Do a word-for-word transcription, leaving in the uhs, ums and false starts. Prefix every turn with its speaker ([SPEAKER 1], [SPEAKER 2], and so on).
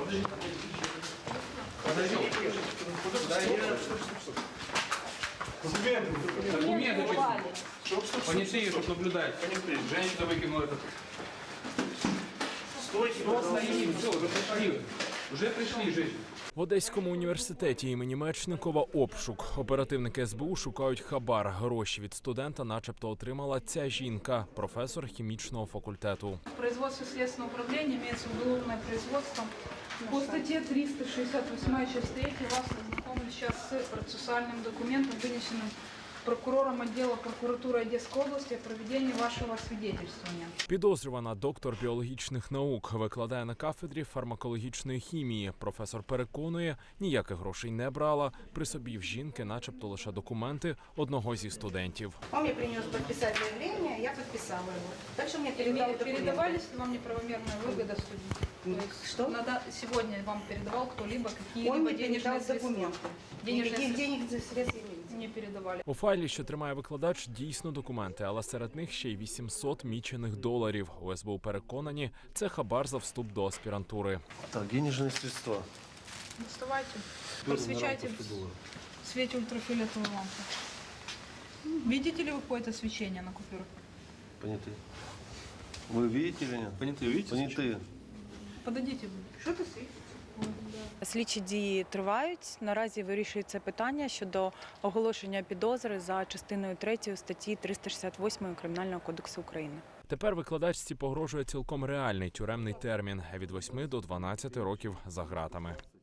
[SPEAKER 1] Подожди. Подожди. Документы. Документы. Понятые, чтобы наблюдать. Женщина выкинула этот. Стой, стой. Все, уже пришли. Уже пришли, женщины.
[SPEAKER 2] В Одеському університеті імені Мечникова обшук. Оперативники ес бе у шукають хабар. Гроші від студента начебто отримала ця жінка, професор хімічного факультету.
[SPEAKER 3] В производстве следственного управления имеется уголовное производство. По статье триста шестьдесят восемь, часть третья, вас ознакомлю сейчас с процессуальным документом, вынесенным прокурором отдела прокуратуры Одесской области о проведении вашего свидетельствования.
[SPEAKER 2] Підозрювана доктор біологічних наук, викладає на кафедрі фармакологічної хімії. Професор переконує, ніяких грошей не брала, при собі в жінки начебто лише документи одного зі студентів.
[SPEAKER 4] Он мне принес подписать заявление, я подписала его. Дальше мне передал документы.
[SPEAKER 3] Передавались ли вам неправомерная выгода студенту?
[SPEAKER 4] Что?
[SPEAKER 3] Надо, сегодня вам передавал кто-либо какие-либо
[SPEAKER 4] Он мне передал
[SPEAKER 3] денежные средства?
[SPEAKER 4] документы.
[SPEAKER 3] Денежные
[SPEAKER 4] Никаких
[SPEAKER 3] средства
[SPEAKER 4] денег средств я не видела.
[SPEAKER 3] не передавали.
[SPEAKER 2] У файлі, що тримає викладач, дійсно документи, але серед них ще й вісімсот мічених доларів. У ес бе у переконані, це хабар за вступ до аспірантури.
[SPEAKER 5] Так, денежные средства.
[SPEAKER 3] Доставайте, просвечайте в свете ультрафиолетовой лампы. Видите ли вы какое-то свечение на купюрах?
[SPEAKER 5] Понятые. Вы видите или нет?
[SPEAKER 1] Понятые, видите?
[SPEAKER 5] Понятые.
[SPEAKER 3] Подойдите.
[SPEAKER 4] Что ты светишь?
[SPEAKER 6] Слідчі дії тривають. Наразі вирішується питання щодо оголошення підозри за частиною третьою статті триста шістдесят восьмої Кримінального кодексу України.
[SPEAKER 2] Тепер викладачці погрожує цілком реальний тюремний термін – від восьми до дванадцяти років за ґратами.